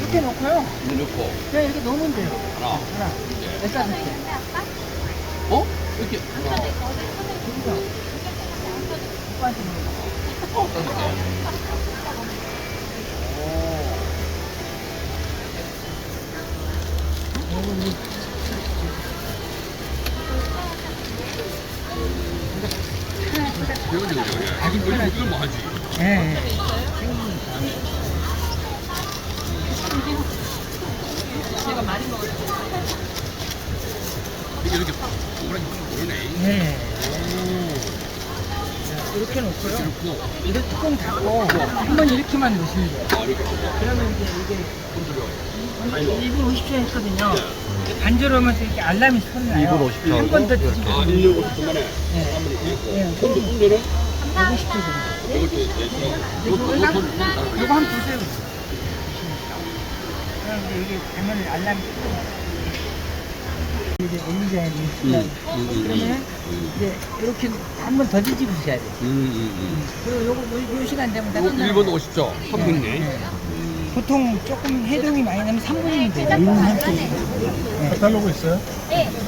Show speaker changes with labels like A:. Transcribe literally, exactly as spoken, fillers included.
A: 이렇게 놓고요.
B: 물 넣고
A: 그냥 이렇게 놓으면 돼요.
B: 하나
A: 하나.
B: 이제
A: 여기다 넣게.
B: 어? 이렇게 어,
A: 여기서. 오빠한테 물어봐.
B: 어, 따뜻해. 이거 이거
A: 아직
B: 이거
A: 편하지.
B: 이거 뭐 하지?
A: 예. 예.
B: 이게 이렇게 동그랗게 모르네.
A: 예. 자, 이렇게 놓고요.
B: 이렇고
A: 이거 뚜껑 닫고 한번 이렇게만 놓으시면 돼요.
B: 아 이렇게 하고
A: 그러면 이제 이게
B: 건드려.
A: 일 분 오십 초 했거든요. 반절하면서 이렇게 알람이 소리 나요.
C: 이 분 오십 초
A: 한 번 더
C: 이렇게.
A: 뒤집어.
B: 아 일 년 오십 분 만에
A: 예.
B: 한번 읽고
A: 예.
B: 건드 건드는
A: 백오십 초 정도.
B: 이것도 내시고
A: 이거 한- 이거 한번 보세요. 그럼 이제 이게 되면 알람이 끄고 이제 올리자야 되니까 그러면 이제 이렇게 한 번 더 뒤집으셔야 돼요.
B: 음,
A: 그리고 요거 요, 요 시간 되면 다
B: 이거
A: 끝나요.
B: 일 분 오십 초 삼 분네.
A: 보통 조금 해동이 많이 나면 삼 분이면 돼요. 음,
C: 카탈로그 있어요?
D: 네.